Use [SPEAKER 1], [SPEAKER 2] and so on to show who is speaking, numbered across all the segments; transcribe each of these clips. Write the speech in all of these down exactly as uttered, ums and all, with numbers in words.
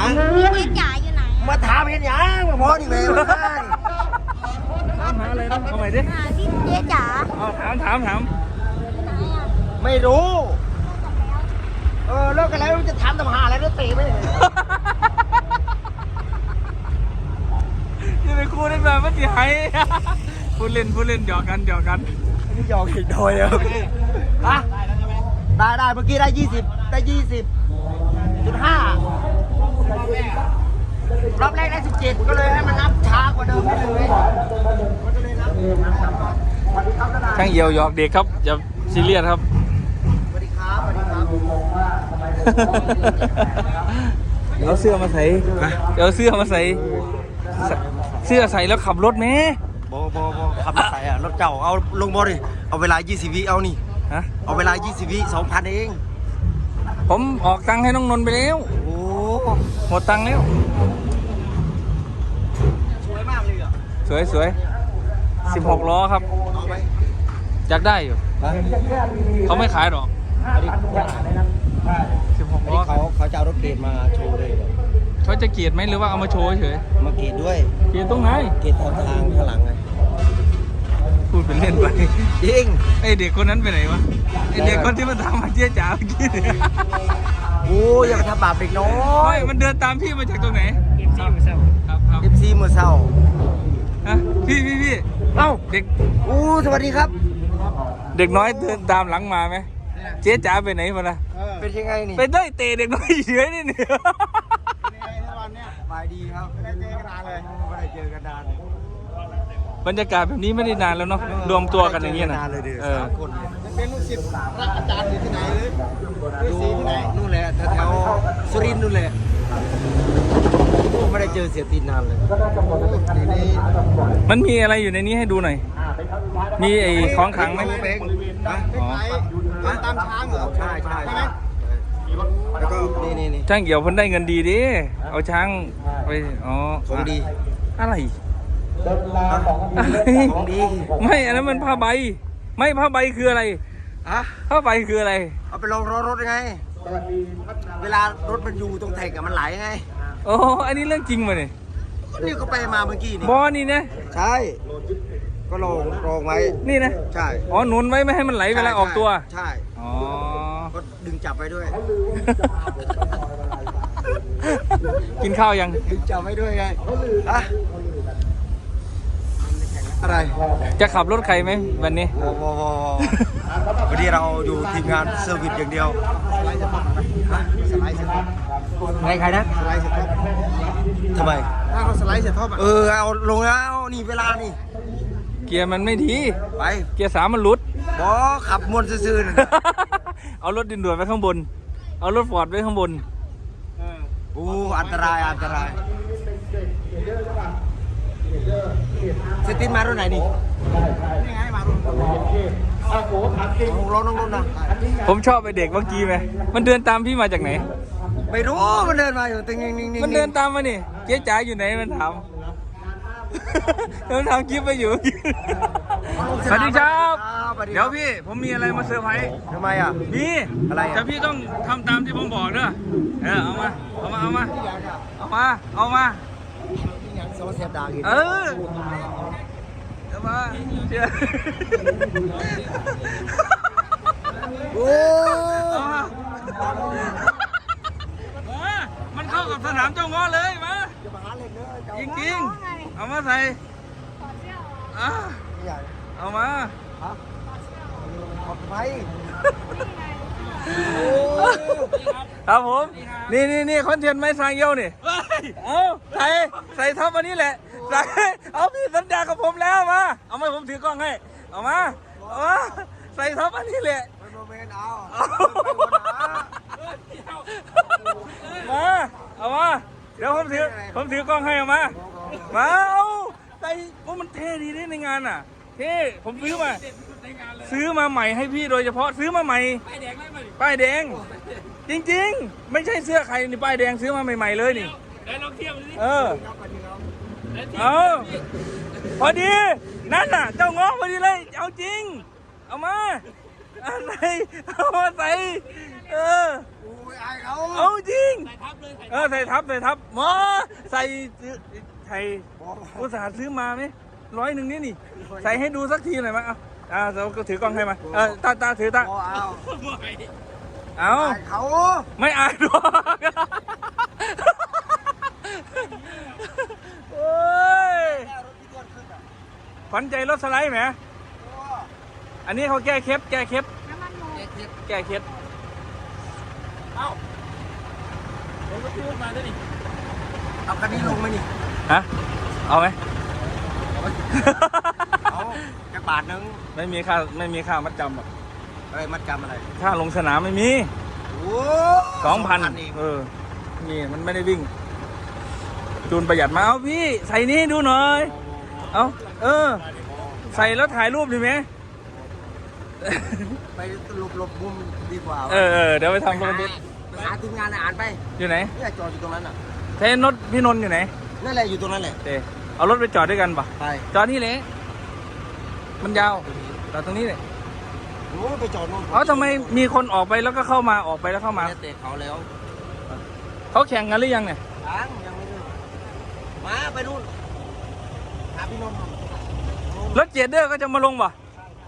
[SPEAKER 1] เจ๊จ๋าอยู่ไหน
[SPEAKER 2] มาถามเห็นยังมาพอดีไหมมาได้
[SPEAKER 3] ถามหาอะไรนะเอาใหม่ดิ
[SPEAKER 1] หาที่เจ๊จ๋า
[SPEAKER 3] เอาถามถามถาม
[SPEAKER 2] ไม่รู้เออเลิกกันแล้วจะถามทำหาอะไรแล้วตีไม่ได้
[SPEAKER 3] จะไปคู่ได้แบบไม่จีไห้พูดเล่นพูดเล่นหยอกกันหยอกกัน
[SPEAKER 2] นี่หยอกอีกโดยครับฮะได้ได้เมื่อกี้ได้ยี่สิบได้ยี่สิบจุดห้ารอบแรกได้สิบเจ็ดก็เลยให้มันนับช้ากว่าเดิมไปเลยมันก็เลยนับ
[SPEAKER 3] ช่างเหี่ยวหยอกเด็กครับอย่าซีเรียสครับ
[SPEAKER 2] สวัสดีครับสวัสดีครับ
[SPEAKER 3] เอาเสื้อมาใส่เอาเสื้อมาใส่เสื้อใส่แล้วขับรถไหม
[SPEAKER 2] บอบอบอขับรถใส่อะรถเก่าเอาลงบอดิเอาเวลายี่สิบวิเอานี่
[SPEAKER 3] ฮะ
[SPEAKER 2] เอาเวลายี่สิบวิสองพันเอง
[SPEAKER 3] ผมออกตังค์ให้น้องนนท์ไปแล้ว
[SPEAKER 2] โอ้
[SPEAKER 3] หมดตังค์แล้ว
[SPEAKER 2] สวยมากเลยอ่ะ
[SPEAKER 3] สวยสวยสิบหกล้อครับ
[SPEAKER 2] เอาไหม
[SPEAKER 3] อยากได้อยู่เขาไม่ขายหรอกสิบหกล้อ
[SPEAKER 2] เขาเขาจะเอารถเกรดมาโชว์เลย
[SPEAKER 3] เขาจะเกียดไหมหรือว่าเอามาโชว์เฉย
[SPEAKER 2] มาเกรดด้วย
[SPEAKER 3] เกียดตรงไหน
[SPEAKER 2] เกรดตามทางข้างหลังไง
[SPEAKER 3] พูดเป็นเล่นไป
[SPEAKER 2] จริง
[SPEAKER 3] ไอเด็กคนนั้นไปไหนวะไอเด็กคนที่มาทำมาเจี๊ยจ๋าเมื่อกี้
[SPEAKER 2] โอ้ยอย่าทำบาปเด็กน้อย
[SPEAKER 3] มันเดินตามพี่มาจากตรงไหนเอฟซีมือเศร้าครับครับ
[SPEAKER 2] เอฟซีมือเศร้า
[SPEAKER 3] ฮะพี่พี่พี่
[SPEAKER 2] เอ้า
[SPEAKER 3] เด็ก
[SPEAKER 2] โอ้สวัสดีครับ
[SPEAKER 3] เด็กน้อยเดินตามหลังมาไหมเจ๊จ๋าไปไหนมาล่ะ
[SPEAKER 2] เป็นยังไงนี่
[SPEAKER 3] ไปได้เตะเด็กน้อยเฉยนี่เนี่ย
[SPEAKER 2] เป็นยังไงทุกวันเนี่ยสบายดีครับไม่ได้เจอกันนานเลยไม่ได้เจอกันนาน
[SPEAKER 3] บรรยากาศแบบนี้ไม่ได้นานแล้วเนาะรวมตัวกันอย่างเงี้ยนะ
[SPEAKER 2] เออคนเป็นลูกศิษย์รักอาจารย์อยู่ที่ไหนเลยอยู่ที่ไหนนู่นแหละแถวสุรินทร์นู่นแหละไม่ได้เจอเสียตีนนานเลย
[SPEAKER 3] มันมีอะไรอยู่ในนี้ให้ดูหน่อยมีไอ้ของขังไหม
[SPEAKER 2] อ๋อตามช้างเหรอใช่ใช่ใช่แล้วก็นี่นี่นี่
[SPEAKER 3] ช่างเกี่ยวเพิ่นได้เงินดีดิเอาช้างไปอ๋อ
[SPEAKER 2] ของดี
[SPEAKER 3] อะไร
[SPEAKER 2] ของดี
[SPEAKER 3] ไม่อันนั้นมันผ้าใบไม่ผ้าใบคืออะไร
[SPEAKER 2] อะ
[SPEAKER 3] ผ้าใบคืออะไร
[SPEAKER 2] เอาไปลองรถรถยังไงเวลารถมันอยู่ตรงแท็กมันไหลไง
[SPEAKER 3] โอ้อันนี้เรื่องจริงมาเนี่ย
[SPEAKER 2] นี่ก็ไปมาเมื่อกี้นี่
[SPEAKER 3] บอนี่นะ
[SPEAKER 2] ใช่ก็ลองลองไว้
[SPEAKER 3] นี่นะ
[SPEAKER 2] ใช่
[SPEAKER 3] อ๋อหนุนไว้ไม่ให้มันไหลเวลาออกตัว
[SPEAKER 2] ใช่
[SPEAKER 3] อ๋อ
[SPEAKER 2] ก็ดึงจับไว้ด้วย
[SPEAKER 3] กินข้าวยัง
[SPEAKER 2] ดึงจับไว้ด้วยไงอะอะไร
[SPEAKER 3] จะขับรถใครไหมวันนี้
[SPEAKER 2] วันนี้เราอยู่ทีมงานเซอร์วิสอย่างเดียวสไลด์สต็อปสไลด์สต็อปใครใครนะสไลด์สต็อปทำไมถ้าเขาสไลด์สต็อปเออเอาลงแล้วนี่เวลานี่
[SPEAKER 3] เกียร์มันไม่ดี
[SPEAKER 2] ไป
[SPEAKER 3] เกียร์สามมันหลุด
[SPEAKER 2] บอขับมวนซื่อ
[SPEAKER 3] ๆเอารถดินด่วนไว้ข้างบนเอารถฟอร์ดไว้ข้างบน
[SPEAKER 2] โอ้อันตรายอันตรายเซตินมารถไหนนี่นี่ไงมารถโอ้โหขับจริงรถน้องรถนะ
[SPEAKER 3] ผมชอบไอเด็กเมื่อกี้ไหมมันเดินตามพี่มาจากไหน
[SPEAKER 2] ไม่รู้มันเดินมาอยู่ตึงนิ่งๆ
[SPEAKER 3] มันเดินตามมานี่เจ๊จ๋าอยู่ไหนมันถามมันทำคลิปไปอยู่สวัสดีครับเดี๋ยวพี่ผมมีอะไรมาเซอร์ไพรส์
[SPEAKER 2] ทำไมอ่ะ
[SPEAKER 3] มี
[SPEAKER 2] อะไร
[SPEAKER 3] แต่พี่ต้องทำตามที่ผมบอกเด้อเออเอามาเอามาเอามาเอามาเอามาเออเอามาเชื่อ
[SPEAKER 2] โอ้
[SPEAKER 3] มันเข้ากับสนามเจ้าง้อเลยมาจริงๆเอามาใส่เอามาครับผมนี่นี่นี่คอนเทนต์ไม้สร้างเยี่ยวนี่เอาใส่ใส่ท็อปอันนี้แหละใส่เอาพี่สัญญากับผมแล้วมาเอามาผมถือกล้องให้เอามาเอามาใส่ท็อปอันนี้แหละมาเอามาเดี๋ยวผมถือผมถือกล้องให้เอามามาเอาใส่เพราะมันเท่ดีนี่ในงานอ่ะเท่ผมซื้อมาซื้อมาใหม่ให้พี่โดยเฉพาะซื้อมาใหม่ป้ายแดงป้ายแดงจริงๆไม่ใช่เสื้อใครนี่ป้ายแดงซื้อมาใหม่ๆเลยนี่ได้ลองเทียบดูสิเออเอาพอดีนั่นน่ะเจ้าง้อพอดีเลยเอาจริงเอามาใส่เอามาใส่เออเอาจริงเออใส่ทับใส่ทับหมอใส่ใส่อุตส่าห์ซื้อมาไหมร้อยหนึ่งนี่นี่ใส่ให้ดูสักทีหน่อยมั้ยเอาอ่าเราก็ถือกล้องให้มาเออตาตาถือตาเอาเขาไม่อายหรอกโอ้ยขวัญใจรถสไลด์ไหมอันนี้เขาแก้เคล็ดแก้เคล็ดแก้เคล็ดเอ้าผมก็พูดมาด้วยนี่เอาคันนี้ลงไหมนี่ฮะเอาไหมเอาจะบาทนึงไม่มีค่าไม่มีค่ามัดจำหรอกอะไรมัดจำอะไรค่าลงสนามไม่มีสองพันเออนี่มันไม่ได้วิ่งจูนประหยัดมาเอาพี่ใส่นี่ดูหน่อยเอาเออใส่แล้วถ่ายรูปดีไหมไปหลบหลบมุมดีกว่าเออเออเดี๋ยวไปทำคอนเทนต์หาทีมงานอ่านไปอยู่ไหนเนี่ยจอดอยู่ตรงนั้นอ่ะเทนรถพี่นนท์อยู่ไหนนั่นแหละอยู่ตรงนั้นแหละเออเอารถไปจอดด้วยกันปะไปจอดนี่เลยมันยาวจอดตรงนี้เลยโอ้ไปจอดนู่นเอาทำไมมีคนออกไปแล้วก็เข้ามาออกไปแล้วเข้ามาเตะเขาแล้วเขาแข่งกันหรือยังเนี่ยยังยังไม่ได้มาไปนู่นหาพี่นนท์รถเจเดอร์ก็จะมาลงปะ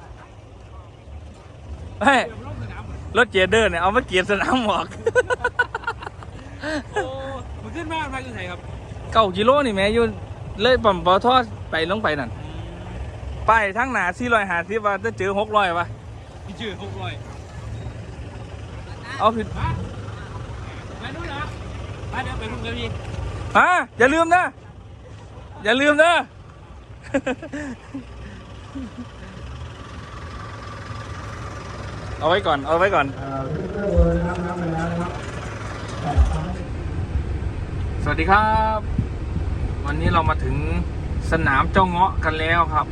[SPEAKER 3] เฮ้ยรถเจเดอร์เนี่ยเอามาเกียร์สนามหมอกโอ้มันขึ้นมากไปคือไหนครับเก้ากิโลนี่แม่ยุ่นเลยปั่มปอทอดไปลงไปนั่นไปทั้งหนาสี่ร้อยหาสิบว่าจะเจอหกร้อยวะพี่เจอหกร้อยเอาผิดไปนู่นเหรอไปเดี๋ยวไปลุงกับพี่ฮะอย่าลืมนะอย่าลืมนะเอาไว้ก่อนเอาไว้ก่อนสวัสดีครับวันนี้เรามาถึงสนามเจ้าเงาะกันแล้วครับ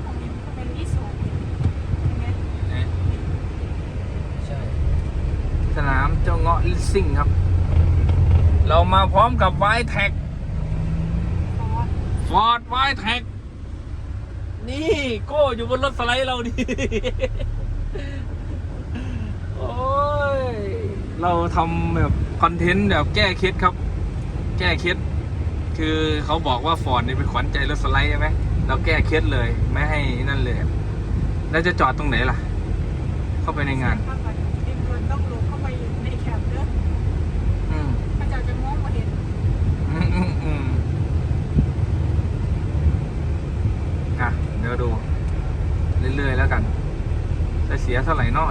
[SPEAKER 3] สนามเจ้าเงาะลิสซิ่งครับเรามาพร้อมกับไวแท็กฟอร์ดไวแท็กนี่โก้อยู่บนรถสไลด์เราดิโอ้ยเราทำแบบคอนเทนต์แบบแก้เคล็ดครับแก้เคล็ดคือเขาบอกว่าฟอร์ดนี่เป็นขวัญใจรถสไลด์ใช่ไหมเราแก้เคล็ดเลยไม่ให้นั่นเลยแล้วจะจอดตรงไหนล่ะเข้าไปในงานต้องลงเข้าไปในแคมป์เด้ออืมพระเจ้าจะมองมาเห็นอืมอืมอืมอ่ะเดี๋ยวดูเรื่อยๆแล้วกันจะเสียเท่าไหร่นอน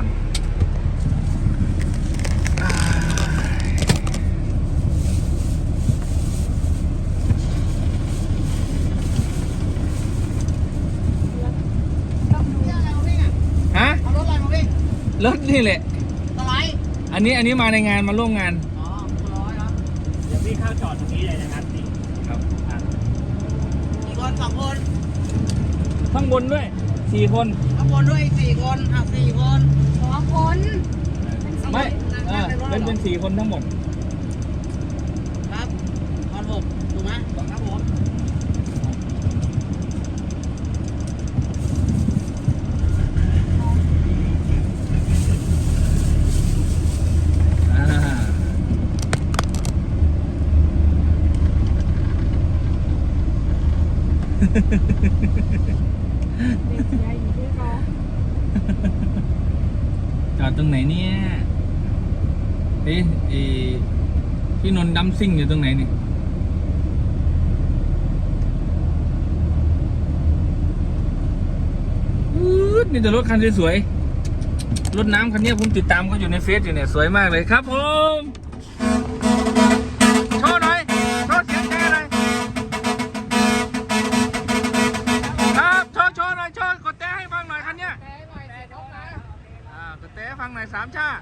[SPEAKER 3] ฮะรถนี่แหละอันนี้อันนี้มาในงานมาร่วมงานอ๋อร้อยแล้วเดี๋ยวพี่เข้าจอดตรงนี้เลยนะครับพี่ครับกี่คนสองคนข้างบนด้วยสี่คนข้างบนด้วยสี่คนอ่ะสี่คนสองคนไม่เออเป็นเป็นสี่คนทั้งหมดครับตอนหกถูกไหมครับผมจอดตรงไหนเนี่ยเอ๊ะเอ๊ะพี่นนท์ดัมซิ่งอยู่ตรงไหนนี่นี่แต่รถคันสวยๆรถน้ำคันนี้ผมติดตามเขาอยู่ในเฟซอยู่เนี่ยสวยมากเลยครับผมโชว์หน่อยโชว์เสียงแค่หน่อยครับโชว์โชว์หน่อยโชว์กดแต้ให้ฟังหน่อยคันเนี้ยอ่ากดแต้ให้ฟังหน่อยสามชา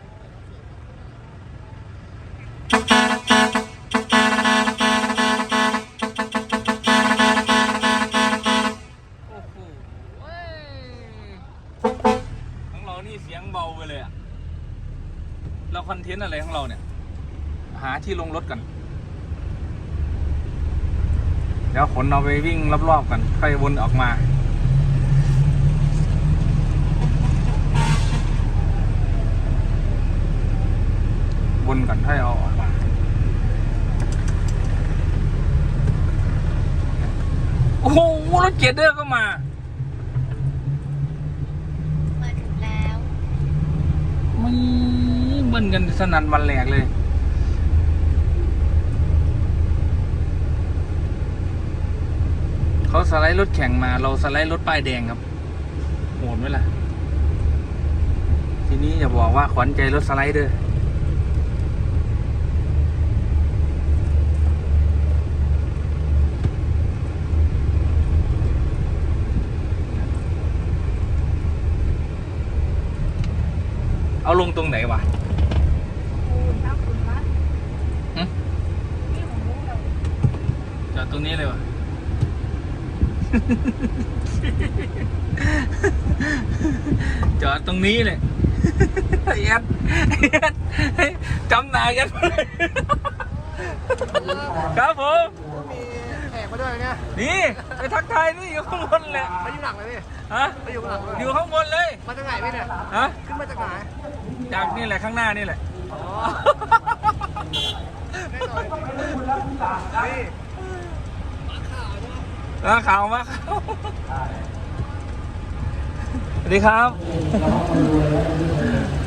[SPEAKER 3] ของเรานี่เสียงเบาไปเลยอะเราคอนเทนต์อะไรของเราเนี่ยหาที่ลงรถกันเดี๋ยวขนเราไปวิ่งรอบๆกันค่อยวนออกมาวนก่อนถ้าเอาออกมาโอ้โหรถเกียร์เดอร์ก็มา
[SPEAKER 1] มาถึงแล้ว
[SPEAKER 3] ไม่เบิ้ลกันสนั่นวันแหลกเลยเขาสไลด์รถแข่งมาเราสไลด์รถป้ายแดงครับโหดไหมล่ะทีนี้อย่าบอกว่าขวัญใจรถสไลด์เด้อเอาลงตรงไหนวะหึจอดตรงนี้เลยวะ จอดตรงนี้เลยแอดแอดจำหนากันเลยครับผมมีแขกมาด้วยเนี่ยนี่ไปทักทายนี่อยู่ข้างบนแหละมาอยู่หลังเลยพี่ฮะมาอยู่หลังอยู่ข้างบนเลยมาจากไหนพี่เนี่ยฮะขึ้นมาจากไหนจากนี่แหละข้างหน้านี่แหละอ๋อนี่มาข่าวมาข่าวสวัสดีครับ